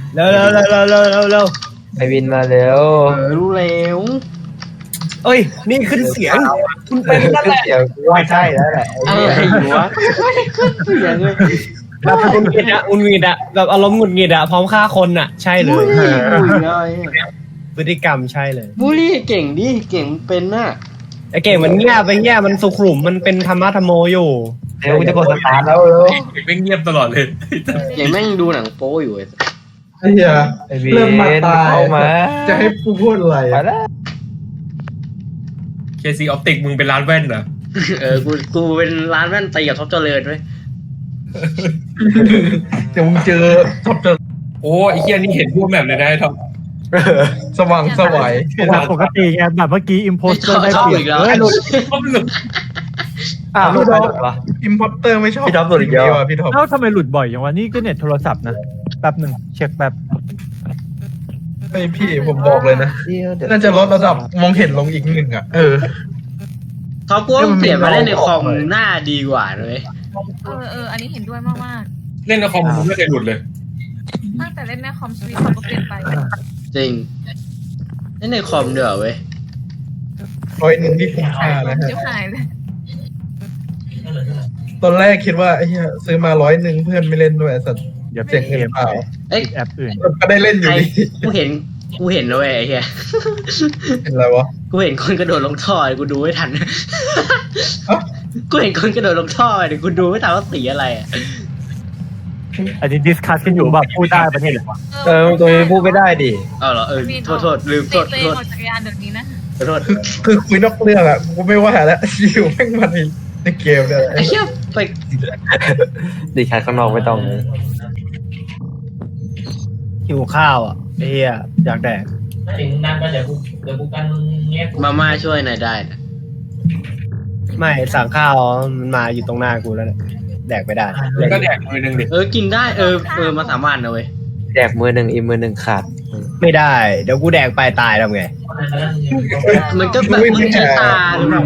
เร็วไอวินมาเร็วรู้แล้วเอ้ยนี่ขึ้นเสียงคุณเป็นนั่นแหละเดี๋ยวว่าใช่แล้วแหละอะไรอยู่วะเสียงเลยแบบหงุดหงิดอะแบบอารมณ์หงุดหงิดอะพร้อมฆ่าคนอะใช่เลบุยรีเลยพฤติกรรมใช่เลยบุรีเก่งดิเก่งเป็นน่ะไอ้เก่งมันเงียบไปเงียบมันสุขุมมันเป็นธรรมะธรรมโมอยู่เดี๋ยวกูจะกดสตาร์ทแล้วเร็วไม่เงียบตลอดเลยเก่งแม่งดูหนังโป๊อยู่ไอ้เหี้ยไอวินเริ่มมาตายเข้ามาจะให้กูพูดอะไรไปแล้วเคซีออปติกมึงเป็นร้านแว่นเหรอกูเป็นร้านแว่นตีกับท็อปเจริญไว้เดี๋ยวมึงเจอชอบเจอโอ้ไอ้เหี้ยนี่เห็นรูปแบบเลยนะไอ้ท็อปสว่างสวัยแบบปกติไงแบบเมื่อกี้อิมโพสเตอร์ได้ชอบเปรียอีบกแล้วท็อปหลุดอ้าวไม่ได้วะอิมพอร์เตอร์ไม่ชอบพี่ท็อปสุดอีกแล้วว่ะพี่ท็อปเอ้าทำไมหลุดบ่อยอย่างวะนี่ก็เน็ตโทรศัพท์นะแป๊บหนึ่งเช็คแป๊บไอพี่ผมบอกเลยนะเดี๋ยวน่าจะลดระดับมองเห็นลงอีกหนึ่งอ่ะท็อปกูว่าเปลี่ยนมาเล่นในคอมหน้าดีกว่าเลยอันนี้เห็นด้วยมากเล่นในคอมมึงไม่เคยหลุดเลยๆตั้งแต่เล่นในคอมสวิตเขาก็เปลี่ยนไปจริงเล่นในคอมเด้อเว้ย 100ที่คุ้มค่านะฮะชิบหายเลยตอนแรกคิดว่าไอ้เหี้ยซื้อมา100เพื่อนไม่เล่นด้วยไอ้สัตว์เดี๋ยวเสียงเกเงินมเปล่าเอ้ยแอปอื่นก็ได้เล่นอใครยู่ดีกูเห็นนะเว้ยไอ้เหี้ยเห็นอะไรวะกูเห็นคนกระโดดลงท่อกูดูไม่ทันเอ้ากูเห็นคนกระโดดลงท่อเดี๋ยวกูดูไม่ทันว่าสีอะไรอ่ะอันนี้ดิสคัสกันอยู่แบบพูดได้ประเทศเหรอวะตัวนี้พูดไม่ได้ดิเอาเหรอโทษลืมโทษเตะออกจากยานเดี๋ยวนี้นะขอโทษคือคุยนอกเรื่องอ่ะกูไม่ว่าแล้วอยู่แม่งมันในเกมเนี่ยไอ้เหี้ยไปดิฉันข้างนอกไม่ต้องเลยหิวข้าวอ่ะไอ้เหี้ยอยากแดกมาม่าช่วยหน่อยได้นะไม่สั่งข้าวมันมาอยู่ตรงหน้ากูแล้วเนี่ยแดกไม่ได้ก็แดกมือหนึ่งดิกินได้มาสามวันนะเว้ยแดกมือหนึ่งอีกมือหนึ่งขาดไม่ได้เดี๋ยวกูแดกไปตายทำไงมันก็แบบมึงใช้ตาหรือเปล่า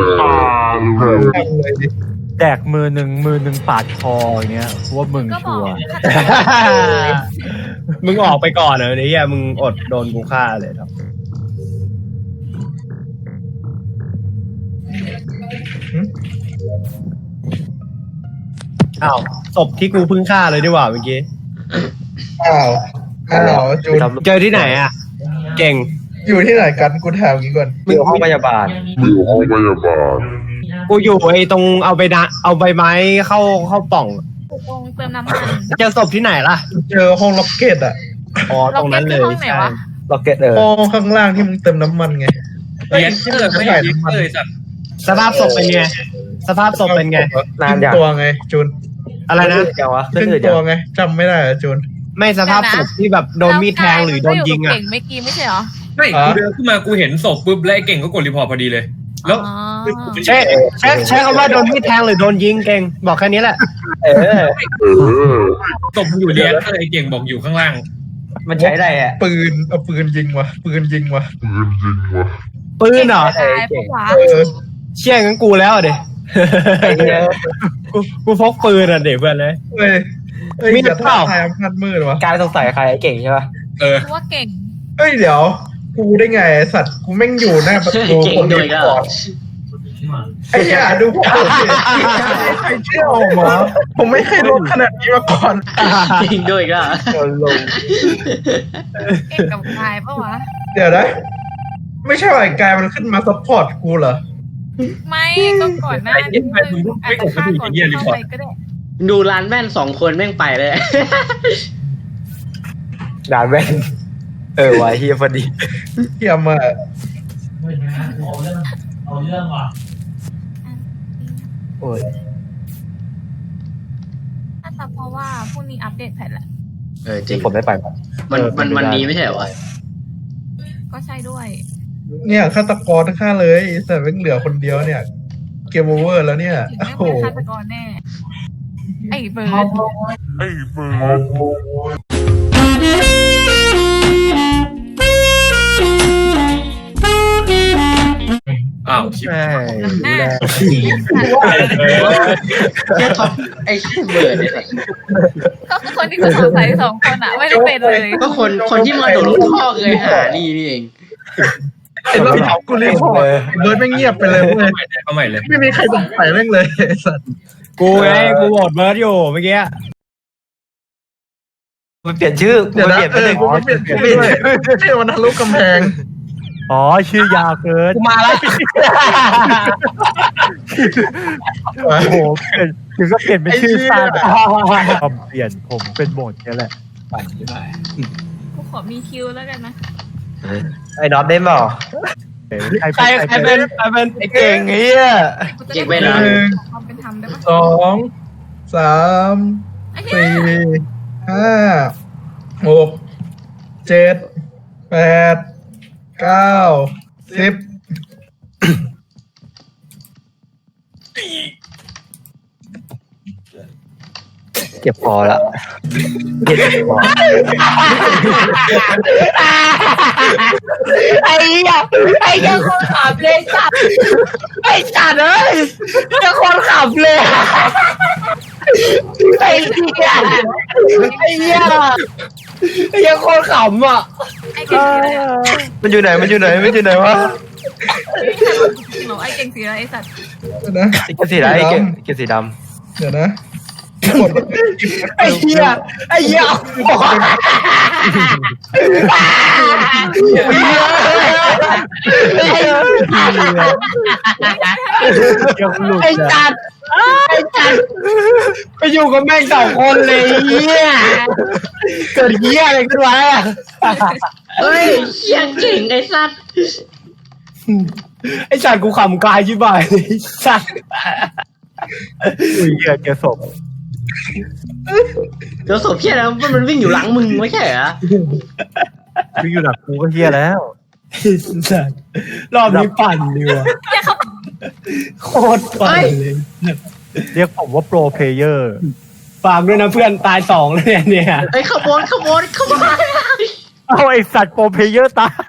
เลยดิแดกมือหนึ่งปาดคออย่างเงี้ยว่ามึงก็บชัอกวร์มึงออกไปก่อนเหรอไอ้เหี้ยมึงอดโดนกูฆ่าเลยครับอ้าวศพที่กูเพิ่งฆ่าเลยดีกว่าเมื่อกี้อ้าวจูนเจอที่ไหนอ่ะ เก่งอยู่ที่ไหนกันกูถามงี้ก่อนอยู่ห้องพยาบาลกูอยู่ไอ้ตรงเอาใบไม้เข้าป่องตรงเติมน้ำมันเจอศพที่ไหนล่ะเจอห้องล็อกเก็ตอ่ะอ๋อตรงนั้นเลยห้องไหนใช่วะล็อกเก็ตห้องข้างล่างที่มึงเติมน้ำมันไงเลี้ยนเตอร์ไม่เลี้ยนเตอร์สัตว์สภาพศพเป็นไงสภาพศพเป็นไงขึ้นตัวไงจูนอะไรนะจังวะขึ้นตัวไงจำไม่ได้อะจูนไม่สภาพศพที่แบบโดนมีดแทงหรือโดนยิงอ่ะเก่งไม่กี้ไม่ใช่เหรอไม่กูเดินขึ้นมากูเห็นศพปุ๊บแล้วไอ้เก่งก็กดรีพอร์ตพอดีเลย แล้วอ๋อใช้คำว่าโดนมีดแทงหรือโดนยิงเก่งบอกแค่นี้แหละศพมันอยู่เลี้ยนเตอร์ไอ้เก่งบอกอยู่ข้างล่างมันใช้ได้อะปืนเอาปืนยิงวะปืนยิงวะปืนเหรอตายปะวะเชี่ยงั้นกูแล้วเด็ไอ้เนี่ยกูพกปืนอ่ะเด็กเพื่อนเลยเฮ้ยเฮ้ยมีอย่าเปล่าท้าทายอำนาจมืดวะการสงสัยใครไอ้เก่งใช่ปะกูว่าเก่งเฮ้ยเดี๋ยวกูได้ไงไอ้สัตว์กูแม่งอยู่หน้าประตูเก่งคนด้เดีวยยวก็ก่อนไอ้ห่าดูผมดิใครเชื่อผมวะผมไม่เคยลดขนาดนี้มาก่อนเก่งด้วยก็โดนลงเก่งกับกายปะวะเดี๋ยวนะไม่ใช่ว่าไอ้กายมันขึ้นมาซัพพอร์ตกูเหรอไม่ก็ก่อนหน้านี้อาจจะฆ่าก่อนเข้าไปก็ได้ดูร้านแว่น2 คนแม่งไปเลยด่านแว่นวะเฮียพอดีเทียมมาโอ้ยน่าจะเพราะว่าพรุ่งนี้อัปเดตแพทแหละจริงผมได้ไปปะมันนี้ไม่ใช่เหรอวะก็ใช่ด้วยเนี่ยฆาตกรทั้งค่าเลยแต่แม่งเหลือคนเดียวเนี่ยเกมโอเวอร์แล้วเนี่ยถึงโอ้ไม่โหเป็นฆาตกรแน่ ไอ้เบิร์ดอ้าวใช่อ่ะแค่ท็อปไอ้ขี้เบิร์ดเนี่ยก็คือคนที่กูสงสัยสองคนอ่ะไม่ได้เป็นเลยก็คนที่มาโดดลงท่อเลยหานี่เองไอ้รอบที่กูรีพอร์ตเบิร์ดไม่เงียบไปเลยเว้ยเข้าใหม่เลยไม่มีใครสงสัยแม่งเลยไอ้สัตว์กูไงกูโหวตเบิร์ดอยู่เมื่อกี้มันเปลี่ยนชื่อเดี๋ยวมันนะเปลี่ยนเป็นหนึ่งกูเปลี่ยนด้วยชื่อมันทะลุกำแพงอ๋อชื่อยาวเกินกูมาแล้วโอ้โหเปลี่ยนถึงก็เปลี่ยนเป็นชื่อสั้นผมเปลี่ยนผมเป็นโหมดนี้แหละกูขอมีคิวแล้วกันนะไอ้น็อตได้เปล่าใครเป็นไอ้เก่งเฮียกูจะได้ความเป็นธรรมได้ปะสองสามไอ้เหี้สี่ยห้าหกเจ็ดแปดเก้าสิบเจ็บคอละเจ็บคอไอ้เหี้ยคนขับเลยจัดไอ้จัดเลยจะคนขับเลยไอ้เหี้ยไอ้เหี้ยคนขำอ่ะไอ้เก่งสีอะไรอ่ะมันอยู่ไหนวะไม่ใช่หรอกจริงเหรอไอ้เก่งสีอะไรไอ้สัตว์เดี๋ยวนะไอ้เกสีดำไอ้เกสีดำเดี๋ยวนะกดไอ้เหี้ยไอ้เหี้ยไอ้จัดไปอยู่กับแม่งสองคนเลยเหี้ยเกิดเหี้ยอะไรขึ้นวะเฮ้ยเชี่ยเก่งไอ้สัตว์ไอ้สัตว์กูขำกายชิบหายเลยสัตว์อุ้ยเหี้ยเจอศพเดี๋ยวศพเชี่ยแล้วมันวิ่งอยู่หลังมึงไม่ใช่เหรอวิ่งอยู่หลักกูก็เฮียแล้วสัตว์รอบนี้ปั่นดีว่ะโคตรปั่นเลยเรียกผมว่าโปรเพลเยอร์ฝากด้วยนะเพื่อนตายสองแล้วเนี่ยไอ้ขบวนเอาไอสัตว์โปรเพลเยอร์ตาย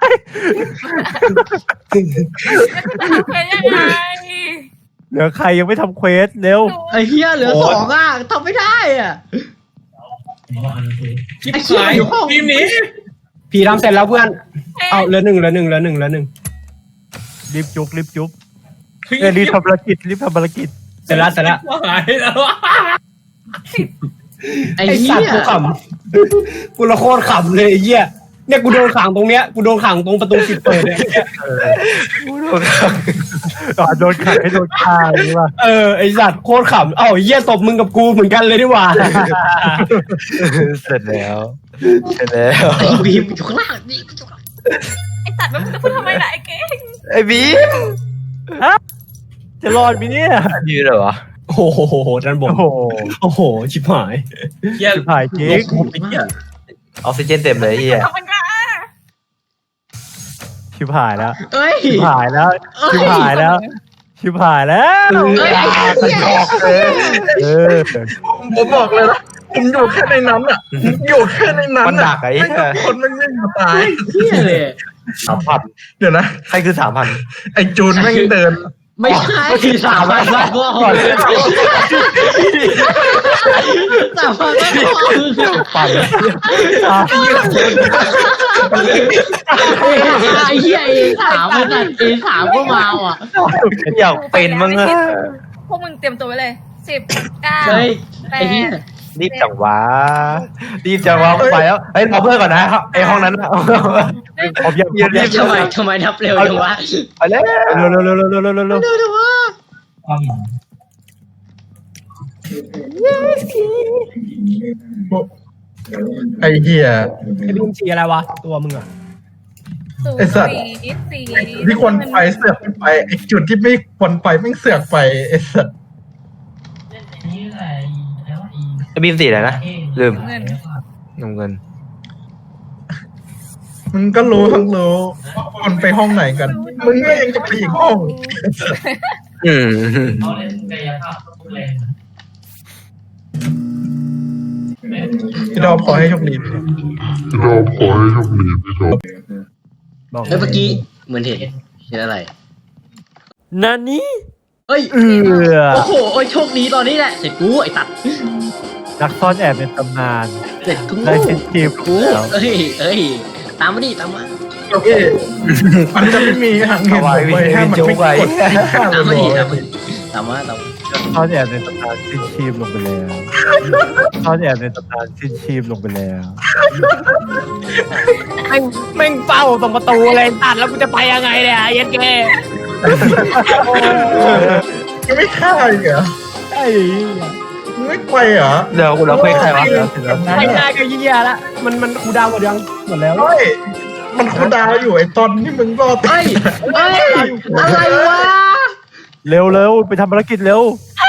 เป็นยังไงเหลือใครยังไม่ทำเควสเร็วไอ้เฮียเหลือสองอ่ะทำไม่ได้อ่ะชิบหายทีมนี้พี่ทำเสร็จแล้วเพื่อนเอาเหลือหนึ่งรีบจุ๊บรีบทำภารกิจเสร็จแล้วหายแล้วไอ้ไอ้เฮีสัตว์ยกูขำกูละโคตรขำเลยไอ้เหี้ยเนี่ยกูโดนขังตรงเนี้ยกูโดนขังตรงประตูปิดเปิดเนี่ยโดนขังให้โดนฆ่าใช่ป่ะไอ้สัตว์โคตรขำเอ้าไอ้เหี้ยตบมึงกับกูเหมือนกันเลยดีกว่าเสร็จแล้วไอ้บีมอยู่ข้างล่างนี่ไอ้สัตว์มันจะพูดทำไมล่ะไอ้เก่งไอ้บีมจะรอดไหมเนี่ยยืนเหรอวะโอ้โหด้านบนโอ้โหชิบหายเหี้ยถ่ายจริงออกซิเจนเต็มเลยเฮียทำมันก็ชิบหายแล้วเอ้ยชิบหายแล้วเอ้ยไอ้เหี้ยผมบอกเลยนะผมอยู่แค่ในนั้นอ่ะอยู่แค่ในนั้นมันหนักไอ้ไม่เหี้ยทุกคนมันไม่มาตายเหี้ยเลย 3,000 เดี๋ยวนะใครคือไอ้จูนแม่งเดินไม่ใช่3,000บาทพ่อ3,000บาทพ่อปั่นไอ้เหี้ยA3มันตัดA3ก็มาอ่ะอยากเป็นมั้งอะพวกมึงเตรียมตัวไว้เลย10 เฮ้ย 9 ไอ้เหี้ยรีบจังวะไปแล้วเฮ้ยรอเพื่อนก่อนนะไอ้ห้องนั้นผมยังทำไมนับเร็วจังวะไปแล้วเร็วเร็วจังวะไอ้เหี้ยไอ้บีมสีอะไรวะตัวมึงอ่ะ 0 ไอ้สัตว์ 4 ที่ควรไปเสือกไม่ไปไอ้จุดที่ไม่ควรไปแม่งเสือกไปไอ้สัตว์ไอ้บีมสีอะไรนะลืมเงินน้ำเงินมึงก็รู้ทั้งรู้ว่าคนไปห้องไหนกัน มึงก็ยังจะไปอีกห้อง พี่ดอพอให้โชคดีบอกเมื่อกี้เหมือนเห็นอะไรนานี้เฮ้ยเอือโอ้โหโอ้ยโชคดีตอนนี้แหละเสร็จกูไอ้ตัดนักซ่อนแอบในตำนานเสร็จกูได้ชิ้นทีมกูแล้วเอ้ยตามมาดิตามมาโอเคมันจะไม่มีทางเห็นผมเลยถ้ามันไม่กดที่ข้างตามเลมาดิยตามมานักซ่อนแอบในตำนานสิ้นชีพลงไปแล้วซ่อนแอบในตำนานสิ้นชีพลงไปแล้วแม่งเฝ้าตรงประตูเลยตัดแล้วกูจะไปยังไงเนี่ยเย็นแกยังไม่ฆ่าอีกเหรอไอ้มึงไม่ไปเหรอเดี๋ยวเราคุยใครวะไม่ได้ก็เยี่ยละมันคูดาวหมดยังหมดแล้วเฮ้ยมันคูดาวอยู่ไอ้ตอนที่มึงรอดเฮ้ยอะไรวะเร็วไปทำภารกิจเร็ว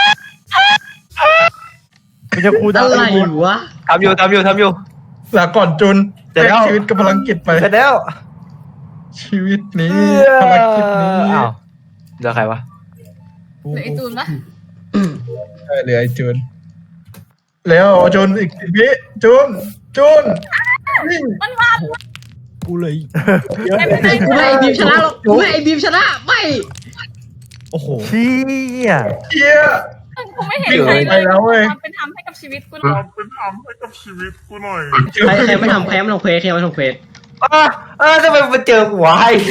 มันจะคูดาวอะไรวะทำอยู่ลาก่อนจุนเดี๋ยวแลกชีวิตกับพลังกิจไปเสร็จแล้วชีวิตนี้พลังกิจนี้อ้าวเดี๋ยวใครวะหรือไอจูนปะใช่เหลือไอ้จุนแล้วจุนอีก10 วิจุนวิ่งมันมากูเลยไม่เป็นไรกูให้ไอ้บีมชนะหรอกกูให้ไอ้บีมชนะไม่โอ้โหเชี่ยเฮียกูไม่เห็นวิ่งใครไปแล้วเว้ยความเป็นธรรมให้กับชีวิตกูเลยใครไม่ทำเควสไม่ทำเควสใครไม่ทำเควสทำไมมาเจอหัวไอ้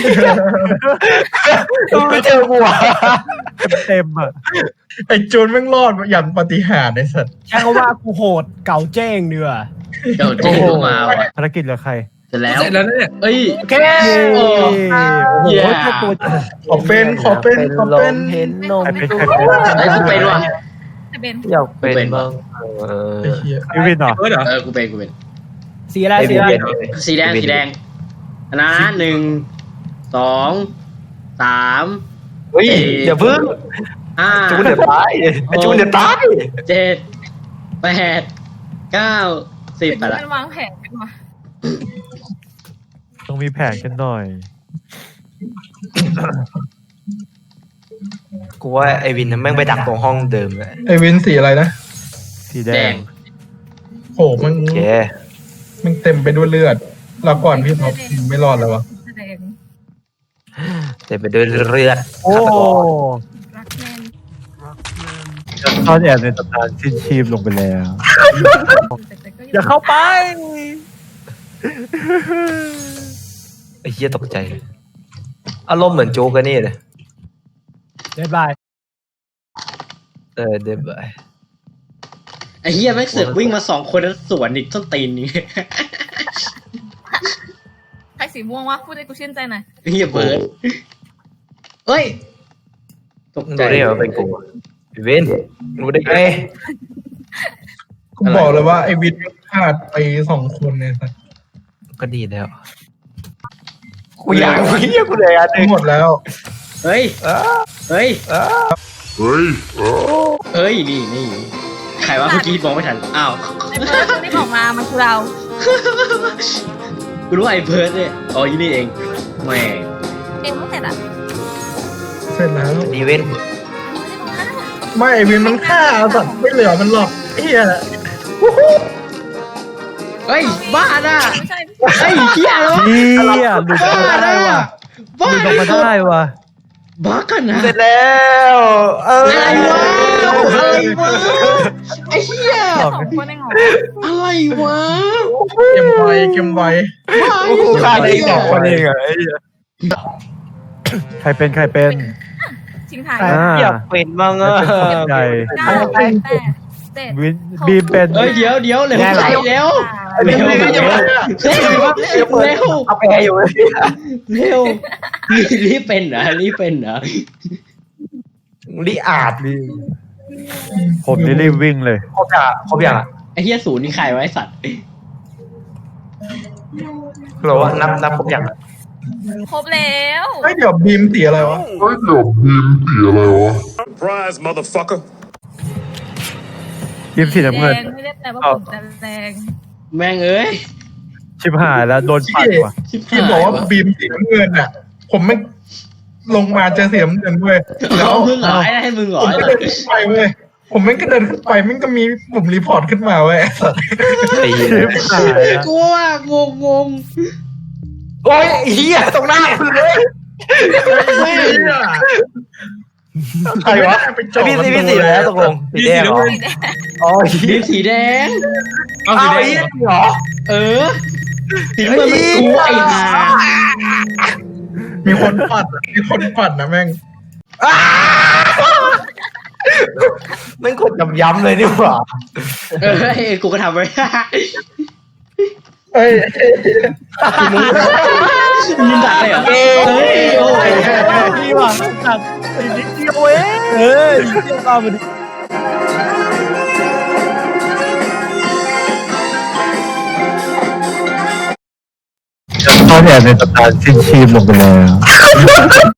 มาเจอหัวเต็มอ่ะไอ้จุนแม่งรอดอย่างปาฏิหาริย์ไอ้สัตว์ใช้คำว่ากูโหดเก่าเจ้งเดือเดี๋ยวเจ๊เข้ามาว่ะภารกิจเหลือใครเสร็จแล้วเสร็จแล้วเนี่ยเอ้ยแค่โอ้โอ้โหเย้แค่ตัวขอเป็นเห็นนมใครเป็นใครเป็นไอ้กูเป็นว่ะแต่เบนอยากเป็นบ้างไอ้เฮียยูวินเหรอเออเหรอกูเป็นสีอะไรสีอะไรสีแดงอันนะ1 2 3 เฮ้ยอย่าพึ่ง 5 จูนเดี๋ยวตายจูนเดี๋ยวตาย 7 8 9 10ไปละมันวางแผนกันวะต้องมีแผนกันหน่อยกูว่าไอวินแม่งไปดักตรงห้องเดิมเลยไอ้วินสีอะไรนะสีแดแดงงโหมันโอเคมันเต็มไปด้วยเลือดเราก่อนพี่ท็อปไม่รอดแล้ววะแสดงเต็มไปด้วยเลือดโอ้รักแน่นซ่อนแอบในตำนานสิ้นชีพลงไปแล้วแต่ก็อย่าเข้าไปไอ้เหี้ยตกใจเลยอารมณ์เหมือนโจ๊กกันนี่เลยเดดบายเดี๋ยวไปไอ้เฮียแม่งเสือกวิ่งมา2 คนแล้วสวนอีกต้นตีนนี่ใครสีม่วงวะพูดให้กูชื่นใจหน่อยเฮียเบิร์ดเฮ้ยตกมึงใจรู้ได้ไงว่าเป็นกูพี่วินรู้ได้ไงกูบอกเลยว่าไอ้วินพลาดไป2 คนเนี่ยสัตว์ก็ดีแล้วกูอยากเหี้ยกูเลยอ่ะหมดแล้วเฮ้ยเฮ้ยนี่ใครวะเมื่อกี้มองไม่ทันอ้าวไอ้เบิร์ดที่บอกมามันคือเรากูรู้ไอ้เบิร์ดเนี่ยอ๋อยี่นี่เองแหม่เองไม่เสร็จอ่ะเสร็จแล้วดีวินไม่ไอ้วินมันฆ่าสัตว์ไม่เหลือมันหรอกไอ้เฮียเฮ้ยบ้าน่ะไม่ใช่เฮ้ยเฮียแล้ววะเชี่ยหลุดออกมาได้ว่ะหบ้าลุดออกมาได้ว่ะบ้ากันนะเสร็จแล้วอะไรวะอะไรวะไอ้เหี้ย 2 คนเองเหรออะไรวะเกมไวบ้ากูฆ่าได้สองคนเองอ่ะใครเป็นทิ้งท้ายอยากเป็นบ้างอ่ะใจแต่วินบีมเป็นเฮ้ยเดี๋ยวเร็วใส่เร็วเร็วเร็วเอาไปอยู่เลยเร็วรีบเป็นเหรอลิอาดผมนี่รีบวิ่งเลยครบอย่างอ่ะไอ้เหี้ยศูนย์นี่ใครไว้สัตว์หรอว่านับครบอย่างครบแล้วไอ้เดี๋ยวบีมสีอะไรวะ Surprise, motherfucker. ทีมสีน้ำเงินไม่ได้แปลว่าผมจะแรงแม่งเอ้ยชิบหายแล้วโดนปัดว่ะที่บอกว่าบีมสีน้ำเงินอ่ะ ผมไม่ลงมาเจอสีน้ำเงินเว้ยแล้แล้ว วมึงเหรอให้มึงเหรอผมก็เดินขึ้นไปเว้ยผมไม่ก็เดินขึ้นไปมันก็มีปุ่มรีพอร์ตขึ้นมาเว้ยชิบหายแล้วกูว่างงโอ้ยเฮียตรงหน้าคุณเลยแม่งใครวะไปจ่อพี่ประพี่ตูสีเลแล้ยวตกลงสีแดงเหรอสีแดงอ๋อบีมสีแดงเอาเอาสีไอ้แดงเหรอเออสีน้ำเงินมันกูไอ้ห่ามีคนปัดนะแม่งแม่งกดย้ำเลยนี่หว่าเออไอ้กูก็ทำไว้เอ้ยมึงดักเลยเหรอเฮ้ยโอ้ยพี่หวังจัดอีกนิดเดียวเองเที่ยวตามมันเขาเนี่ยในตำนานสิ้นชีพลงไปแล้ว